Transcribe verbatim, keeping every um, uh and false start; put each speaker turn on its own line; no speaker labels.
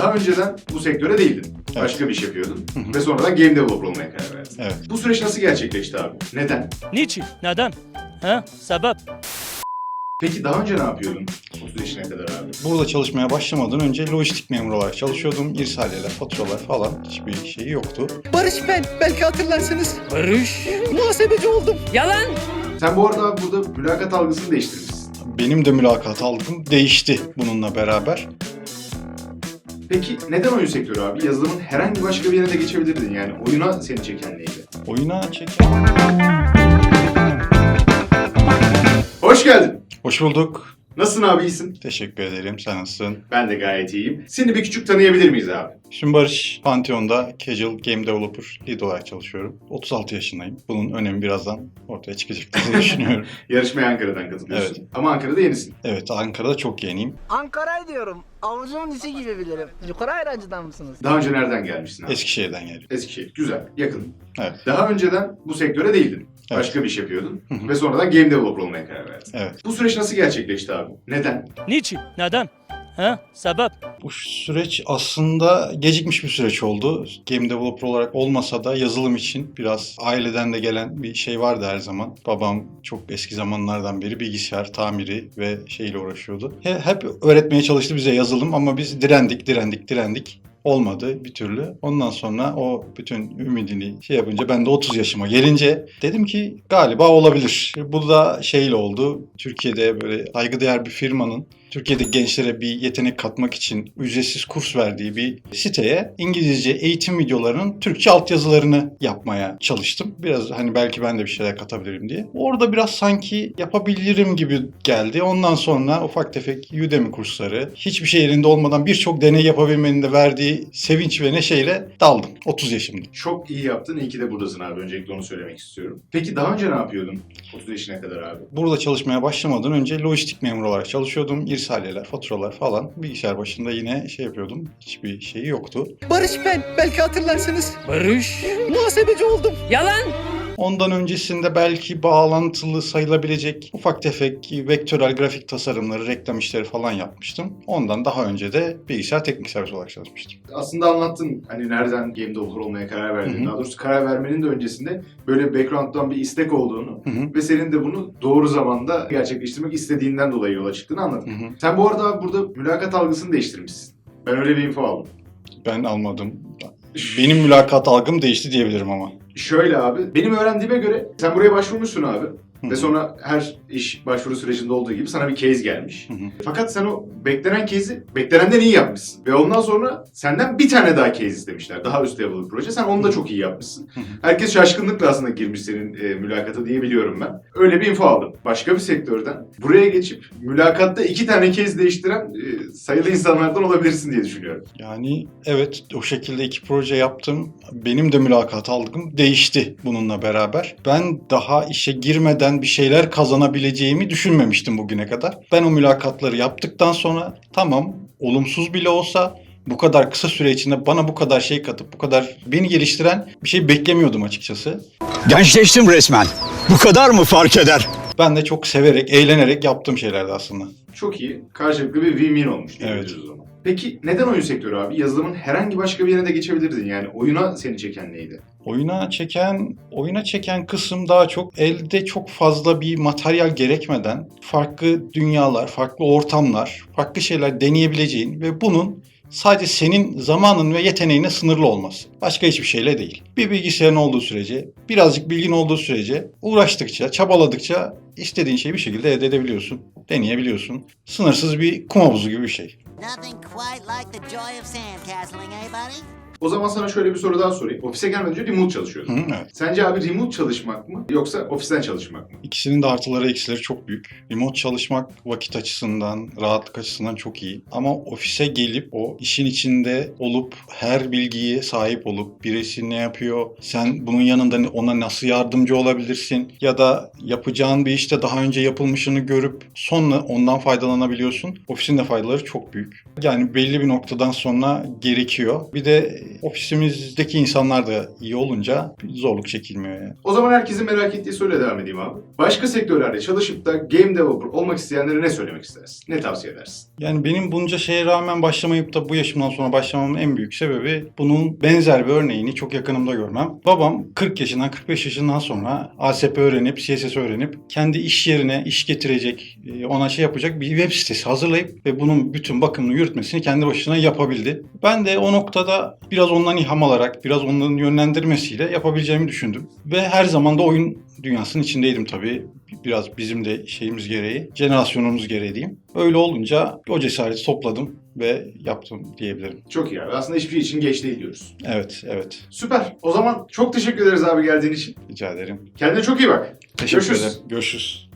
Daha önceden bu sektöre değildin.
Evet.
Başka bir iş yapıyordun.
Hı hı.
Ve sonradan game developer olmaya karar verdin.
Evet.
Bu süreç nasıl gerçekleşti abi? Neden?
Niçin? Neden? Ha? Sebep?
Peki daha önce ne yapıyordun? otuz yaşına kadar abi.
Burada çalışmaya başlamadan önce lojistik memuru olarak çalışıyordum. İrsaliyeler, faturalar falan hiçbir şeyi yoktu.
Barış ben. Belki hatırlarsınız.
Barış.
Muhasebeci oldum.
Yalan.
Sen bu arada abi burada mülakat algısını değiştirmişsin.
Benim de mülakat algım değişti bununla beraber.
Peki neden oyun sektörü abi? Yazılımın herhangi başka bir yerine de geçebilirdin yani. Oyuna seni çeken neydi?
Oyuna çeken...
Hoş geldin.
Hoş bulduk.
Nasılsın abi, iyisin?
Teşekkür ederim. Sen nasılsın?
Ben de gayet iyiyim. Seni bir küçük tanıyabilir miyiz abi?
Şimdi Barış, Pantheon'da Casual Game Developer Lead olarak çalışıyorum. otuz altı yaşındayım. Bunun önemi birazdan ortaya çıkacaktır diye düşünüyorum.
Yarışmaya Ankara'dan katılıyorsun.
Evet.
Ama Ankara'da yenisin.
Evet, Ankara'da çok yeniyim.
Ankara'yı diyorum. Avucumun içi gibi bilirim. Yukarı ayrancıdan mısınız?
Daha önce nereden gelmişsin abi?
Eskişehir'den geliyorum.
Eskişehir. Güzel, yakın.
Evet.
Daha önceden bu sektöre değildin.
Evet.
Başka bir iş yapıyordun.
Hı hı.
Ve sonradan game developer olmaya karar verdin.
Evet.
Bu süreç nasıl gerçekleşti abi? Neden?
Niçin? Neden? Ha? Sebep?
Bu süreç aslında gecikmiş bir süreç oldu. Game developer olarak olmasa da yazılım için biraz aileden de gelen bir şey vardı her zaman. Babam çok eski zamanlardan beri bilgisayar tamiri ve şeyle uğraşıyordu. He- Hep öğretmeye çalıştı bize yazılım ama biz direndik, direndik, direndik. Olmadı bir türlü. Ondan sonra o bütün ümidini şey yapınca ben de otuz yaşıma gelince dedim ki galiba olabilir. Bu da şeyle oldu. Türkiye'de böyle saygıdeğer bir firmanın Türkiye'de gençlere bir yetenek katmak için ücretsiz kurs verdiği bir siteye İngilizce eğitim videolarının Türkçe altyazılarını yapmaya çalıştım. Biraz hani belki ben de bir şeyler katabilirim diye. Orada biraz sanki yapabilirim gibi geldi. Ondan sonra ufak tefek Udemy kursları, hiçbir şey elinde olmadan birçok deney yapabilmenin de verdiği sevinç ve neşeyle daldım. otuz yaşımda.
Çok iyi yaptın. İyi ki de buradasın abi. Öncelikle onu söylemek istiyorum. Peki daha önce ne yapıyordun? otuz yaşına kadar abi.
Burada çalışmaya başlamadan önce lojistik memuru olarak çalışıyordum. İrsaliyeler, faturalar falan. Bilgisayar başında yine şey yapıyordum. Hiçbir şeyi yoktu.
Barış ben. Belki hatırlarsınız.
Barış.
Muhasebeci oldum.
Yalan.
Ondan öncesinde belki bağlantılı sayılabilecek ufak tefek vektörel grafik tasarımları, reklam işleri falan yapmıştım. Ondan daha önce de bilgisayar teknik servis olarak çalışmıştım.
Aslında anlattın hani nereden game developer olmaya karar verdiğini.
Hı hı.
Daha doğrusu karar vermenin de öncesinde böyle background'dan bir istek olduğunu
Hı hı.
ve senin de bunu doğru zamanda gerçekleştirmek istediğinden dolayı yola çıktığını anlattın.
Hı hı.
Sen bu arada abi burada mülakat algısını değiştirmişsin. Ben öyle bir info aldım.
Ben almadım. Benim mülakat algım değişti diyebilirim ama.
Şöyle abi, benim öğrendiğime göre sen buraya başvurmuşsun abi.
Hı
Ve
hı.
sonra her iş başvuru sürecinde olduğu gibi sana bir case gelmiş.
Hı hı.
Fakat sen o beklenen case'i beklenenden iyi yapmışsın. Ve ondan sonra senden bir tane daha case istemişler. Daha üst level bir proje. Sen onu da çok iyi yapmışsın.
Hı hı.
Herkes şaşkınlıkla aslında girmiş senin e, mülakata diye biliyorum ben. Öyle bir info aldım. Başka bir sektörden buraya geçip mülakatta iki tane case değiştiren e, sayılı insanlardan olabilirsin diye düşünüyorum.
Yani evet, o şekilde iki proje yaptım. Benim de mülakat algım değişti bununla beraber. Ben daha işe girmeden bir şeyler kazanabileceğimi düşünmemiştim bugüne kadar. Ben o mülakatları yaptıktan sonra tamam, olumsuz bile olsa bu kadar kısa süre içinde bana bu kadar şey katıp bu kadar beni geliştiren bir şey beklemiyordum açıkçası.
Gençleştim resmen. Bu kadar mı fark eder?
Ben de çok severek, eğlenerek yaptığım şeylerdi aslında.
Çok iyi. Karşılıklı bir win-win olmuş diyebiliriz
Evet.
o zaman. Peki neden oyun sektörü abi? Yazılımın herhangi başka bir yerine de geçebilirdin yani. Oyuna seni çeken neydi?
Oyuna çeken, oyuna çeken kısım daha çok elde çok fazla bir materyal gerekmeden farklı dünyalar, farklı ortamlar, farklı şeyler deneyebileceğin ve bunun sadece senin zamanın ve yeteneğine sınırlı olması. Başka hiçbir şeyle değil. Bir bilgisayarın olduğu sürece, birazcık bilgin olduğu sürece uğraştıkça, çabaladıkça istediğin şeyi bir şekilde elde edebiliyorsun, deneyebiliyorsun. Sınırsız bir kum havuzu gibi bir şey.
Nothing quite like the joy of sandcastling, eh, buddy?
O zaman sana şöyle bir soru daha sorayım. Ofise gelmeden önce remote çalışıyordun.
Hı, evet.
Sence abi remote çalışmak mı yoksa ofisten çalışmak mı?
İkisinin de artıları eksileri çok büyük. Remote çalışmak vakit açısından, rahatlık açısından çok iyi. Ama ofise gelip o işin içinde olup her bilgiye sahip olup birisi ne yapıyor, sen bunun yanında ona nasıl yardımcı olabilirsin ya da yapacağın bir işte daha önce yapılmışını görüp sonra ondan faydalanabiliyorsun. Ofisin de faydaları çok büyük. Yani belli bir noktadan sonra gerekiyor. Bir de ofisimizdeki insanlar da iyi olunca zorluk çekilmiyor yani.
O zaman herkesin merak ettiği soruyla devam edeyim abi. Başka sektörlerde çalışıp da game developer olmak isteyenlere ne söylemek istersin? Ne tavsiye edersin?
Yani benim bunca şeye rağmen başlamayıp da bu yaşımdan sonra başlamamın en büyük sebebi bunun benzer bir örneğini çok yakınımda görmem. Babam kırk yaşından kırk beş yaşından sonra A S P öğrenip, C S S öğrenip kendi iş yerine iş getirecek, ona şey yapacak bir web sitesi hazırlayıp ve bunun bütün bakımını yürütmesini kendi başına yapabildi. Ben de o noktada biraz ondan ilham alarak, biraz onların yönlendirmesiyle yapabileceğimi düşündüm. Ve her zaman da oyun dünyasının içindeydim tabii. Biraz bizim de şeyimiz gereği, jenerasyonumuz gereği diyeyim. Öyle olunca o cesareti topladım ve yaptım diyebilirim.
Çok iyi abi. Aslında hiçbir şey için geç değil diyoruz.
Evet, evet.
Süper. O zaman çok teşekkür ederiz abi geldiğin için.
Rica ederim.
Kendine çok iyi bak.
Teşekkür
Görüşürüz.
ederim. Görüşürüz.